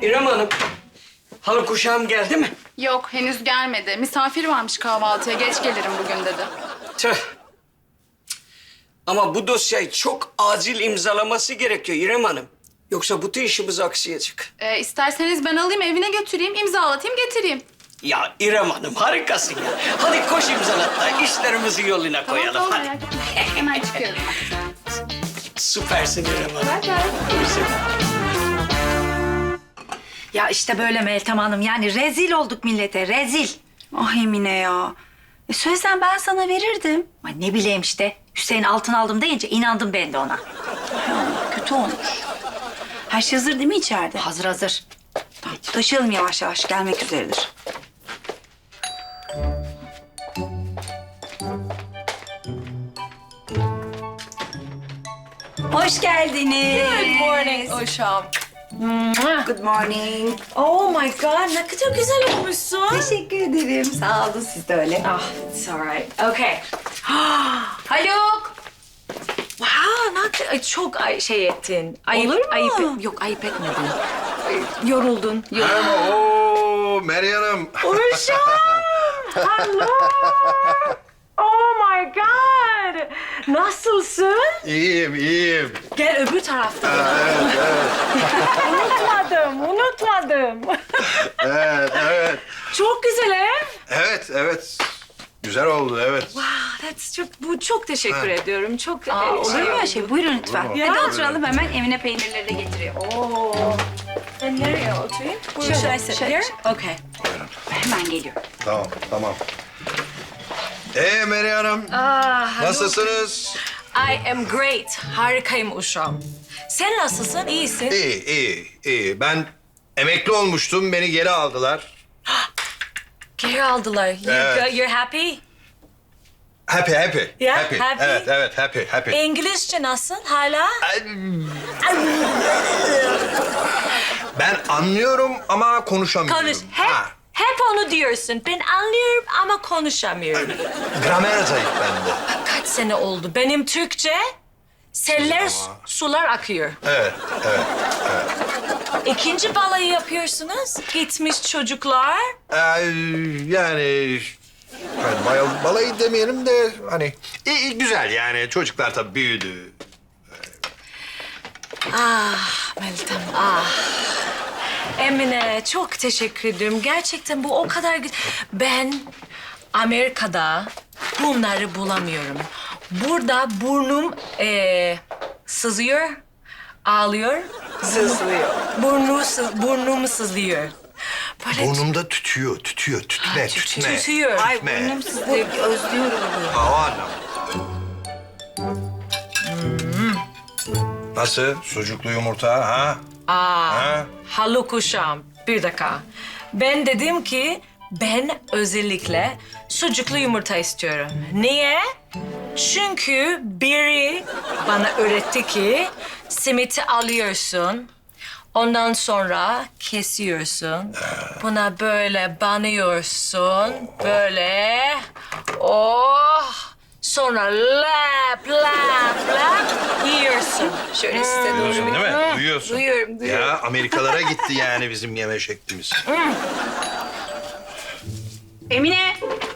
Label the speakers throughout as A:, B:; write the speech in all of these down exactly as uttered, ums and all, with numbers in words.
A: İrem Hanım, halı kuşağım geldi mi?
B: Yok, henüz gelmedi. Misafir varmış kahvaltıya. Geç gelirim bugün dedi.
A: Tüh. Ama bu dosyayı çok acil imzalaması gerekiyor İrem Hanım. Yoksa bütün işimiz aksayacak.
B: Ee, isterseniz ben alayım, evine götüreyim, imzalatayım, getireyim.
A: Ya İrem Hanım harikasın ya. Hadi koş imzalat da işlerimizi yoluna koyalım.
B: Tamam,
A: Hadi.
B: merak etme. Hemen çıkıyorum.
A: Süpersin İrem Hanım.
B: Bay bay.
C: Ya işte böyle Meltem Hanım. Yani rezil olduk millete, rezil.
D: Ah Emine ya. E söylesen ben sana verirdim.
C: Ay ne bileyim işte. Hüseyin altın aldım deyince inandım ben de ona.
D: Ya, kötü olmuş. Her şey hazır değil mi içeride?
C: Hazır hazır.
D: Tamam, taşıyalım yavaş yavaş. Gelmek üzeredir. Hoş geldiniz.
E: Good morning Uşam.
D: Good morning.
E: Oh my god, ne kadar güzel olmuşsun.
D: Teşekkür ederim. Sağ olun, siz de öyle.
E: Ah, it's alright. Okay. Haluk. Wow, ne kadar ay, çok ay, şey ettin. Ayıp,
D: Olur mu?
E: Ayıp, et- yok ayıp etmedin. Ay, Yoruldun.
F: Merhaba. Oo, Meryem Hanım.
E: Uşam. Hello. Oh my god. Nasılsın?
F: İyiyim, iyiyim.
E: Gel öbür tarafta.
F: Evet, evet.
E: unutmadım, unutmadım.
F: Evet, evet.
E: Çok güzel ev.
F: Evet, evet. Güzel oldu, evet.
E: Wow, that's çok, bu çok teşekkür ediyorum. Çok
D: Aa,
E: e,
D: olur mu öyle şey? Buyurun lütfen.
F: Olur mu?
D: Hadi
E: Ya.
D: oturalım, hemen Emine peynirleri de getiriyor.
E: Oo. Ben nereye oturayım?
D: Şöyle,
E: Should I sit
D: şöyle,
E: here?
D: şöyle.
E: Okay.
D: Hemen geliyorum.
F: Tamam, tamam. Ee Meryem Hanım,
E: Ah,
F: nasılsınız?
E: I am great. Harikayım Uşam. Sen nasılsın? İyisin.
F: İyi, iyi, iyi. Ben emekli olmuştum, beni geri aldılar.
E: Geri aldılar. You,
F: Evet.
E: You're happy?
F: Happy, happy.
E: Yeah,
F: happy.
E: happy.
F: Evet, evet, happy, happy.
E: İngilizce nasıl hala?
F: Ben anlıyorum ama konuşamıyorum.
E: Konuş. Hep,
F: Ha,
E: hep onu diyorsun. Ben anlıyorum ama konuşamıyorum.
F: gramer zayıf bende.
E: Kaç sene oldu? Benim Türkçe seller,
F: Ama-
E: sular akıyor.
F: Evet, evet.
E: İkinci balayı yapıyorsunuz. Gitmiş çocuklar.
F: Ee, yani... Hani bay- balayı demeyelim de hani iyi, iyi, güzel yani çocuklar tabii büyüdü.
E: Ah Meltem, ah. Emine çok teşekkür ederim. Gerçekten bu o kadar güzel. Ben Amerika'da bunları bulamıyorum. Burada burnum eee, sızıyor, ağlıyor. Sızlıyor. Burnu, sı- burnum sızlıyor. Böyle
F: Burnumda tütüyor, tütüyor, tütme, tütme.
E: tütüyor.
D: Ay
F: Tütme.
D: burnum sızlıyor, özlüyorum bunu.
F: Hava anlamı. Nasıl? Sucuklu yumurta ha?
E: Aa,
F: Ha?
E: Haluk Uşam, bir dakika. Ben dedim ki ben özellikle sucuklu yumurta istiyorum. Niye? Çünkü biri bana öğretti ki simiti alıyorsun. Ondan sonra kesiyorsun. Buna böyle banıyorsun. Böyle. Oh. Sonra lap lap lap yiyorsun. Şöyle size doğru.
F: Duyuyorsun değil mi? Duyuyorsun.
E: Duyuyorum, duyuyorum.
F: Ya Amerikalara gitti yani bizim yeme şeklimiz.
D: Emine.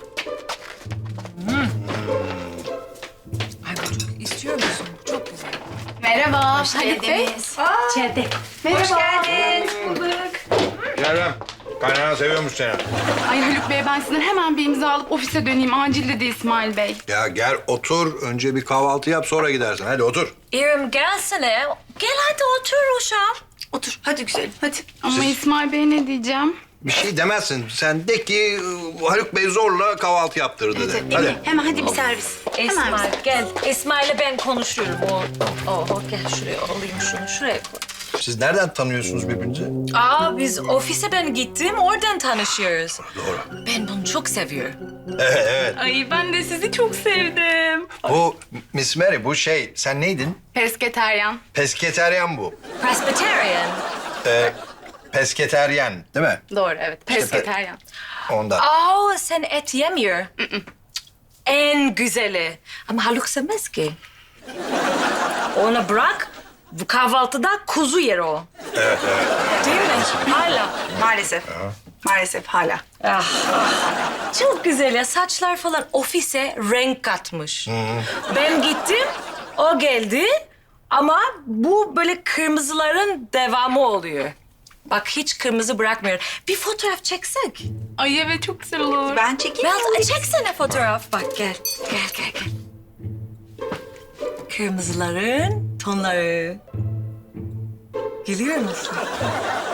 E: Ay bu çok istiyor musun? Çok güzel.
B: Merhaba.
D: Hoş
B: Haluk Bey.
D: geldiniz.
C: İçeride.
D: Hoş geldin.
F: Kerem, kaynana seviyormuş seni.
B: Ay Haluk Bey, ben sizden hemen bir imza alıp ofise döneyim. Acil dedi İsmail Bey.
F: Ya gel otur, önce bir kahvaltı yap sonra gidersin. Hadi otur.
E: İrem gelsene. Gel hadi otur Uşam.
D: Otur, hadi güzelim, hadi.
B: Ama İsmail Bey ne diyeceğim?
F: Bir şey demezsin. Sen de ki Haluk Bey zorla kahvaltı yaptırdı de.
D: Emine,
F: Hadi.
D: hemen hadi bir servis. Hemen bir
E: İsmail
D: servis.
E: gel. İsmail'le ben konuşuyorum. O, o, o, gel şuraya alayım şunu. Şuraya koy.
F: Siz nereden tanıyorsunuz birbirinizi?
E: Aa biz ofise ben gittim. Oradan tanışıyoruz.
F: Doğru.
E: Ben bunu çok seviyorum.
F: Evet, evet.
B: Ay ben de sizi çok sevdim.
F: Bu Miss Mary, bu şey, sen neydin?
B: Pesketeryan.
F: Pesketeryen bu.
E: Presbyterian.
F: Ee, pesketeryen, değil mi?
B: Doğru, evet. Pesketeryan.
F: Ondan.
E: Aa sen et yemiyor. En güzeli. Ama Haluk sevmez ki. Ona bırak. Bu kahvaltıda kuzu yer o.
F: Evet, evet.
E: Değil mi?
D: Maalesef. Maalesef hala.
E: Ah, çok güzel ya. Saçlar falan ofise renk katmış. Ben gittim, o geldi. Ama bu böyle kırmızıların devamı oluyor. Bak hiç kırmızı bırakmıyor. Bir fotoğraf çeksek.
B: Ay evet çok güzel olur.
D: Ben çekeyim.
E: Mel, çeksene fotoğraf. Bak gel, gel, gel, gel. Kırmızıların tonları. Geliyor musun?